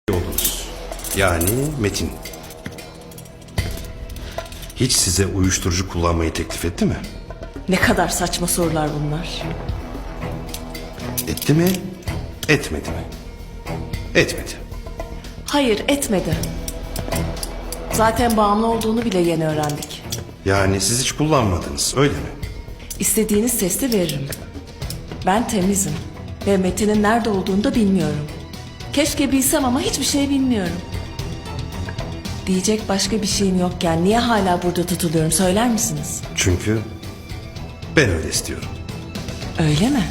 oldunuz. Yani Metin. Hiç size uyuşturucu kullanmayı teklif etti mi? Ne kadar saçma sorular bunlar. Etti mi? Etmedi mi? Etmedi. Hayır, etmedi. Zaten bağımlı olduğunu bile yeni öğrendik. Yani siz hiç kullanmadınız, öyle mi? İstediğiniz testi veririm. Ben temizim ve Metin'in nerede olduğunu da bilmiyorum. Keşke bilsem ama hiçbir şey bilmiyorum. Diyecek başka bir şeyim yokken niye hala burada tutuluyorum söyler misiniz? Çünkü ben öyle istiyorum. Öyle mi?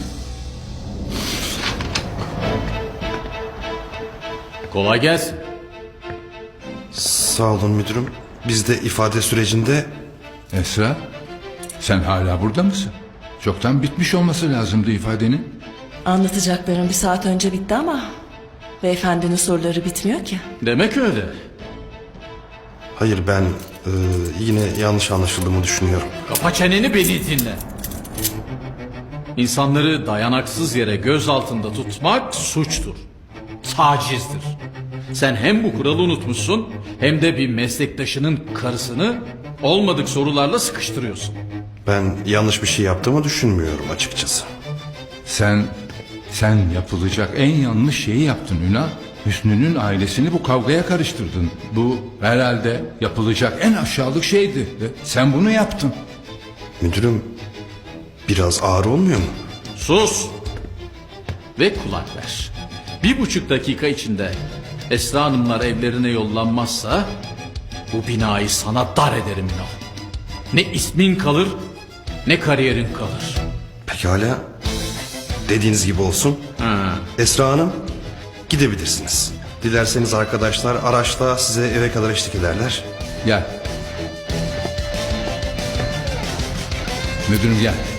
Kolay gelsin. Sağ olun müdürüm. Biz de ifade sürecinde... Esra, sen hala burada mısın? Çoktan bitmiş olması lazımdı ifadenin. Anlatacaklarım bir saat önce bitti ama beyefendinin soruları bitmiyor ki. Demek öyle. Hayır, ben yine yanlış anlaşıldığımı düşünüyorum. Kapa çeneni, beni dinle. İnsanları dayanaksız yere göz altında tutmak suçtur. Tacizdir. Sen hem bu kuralı unutmuşsun hem de bir meslektaşının karısını olmadık sorularla sıkıştırıyorsun. Ben yanlış bir şey yaptığımı düşünmüyorum açıkçası. Sen yapılacak en yanlış şeyi yaptın Ünal. Hüsnü'nün ailesini bu kavgaya karıştırdın. Bu herhalde yapılacak en aşağılık şeydi. Sen bunu yaptın. Müdürüm, biraz ağır olmuyor mu? Sus ve kulak ver. 1,5 dakika içinde Esra Hanımlar evlerine yollanmazsa bu binayı sana dar ederim Ünal. Ne ismin kalır ne kariyerin kalır. Pekala. Dediğiniz gibi olsun. Ha. Esra Hanım, gidebilirsiniz. Dilerseniz arkadaşlar araçla size eve kadar eşlik ederler. Gel. Müdürüm gel.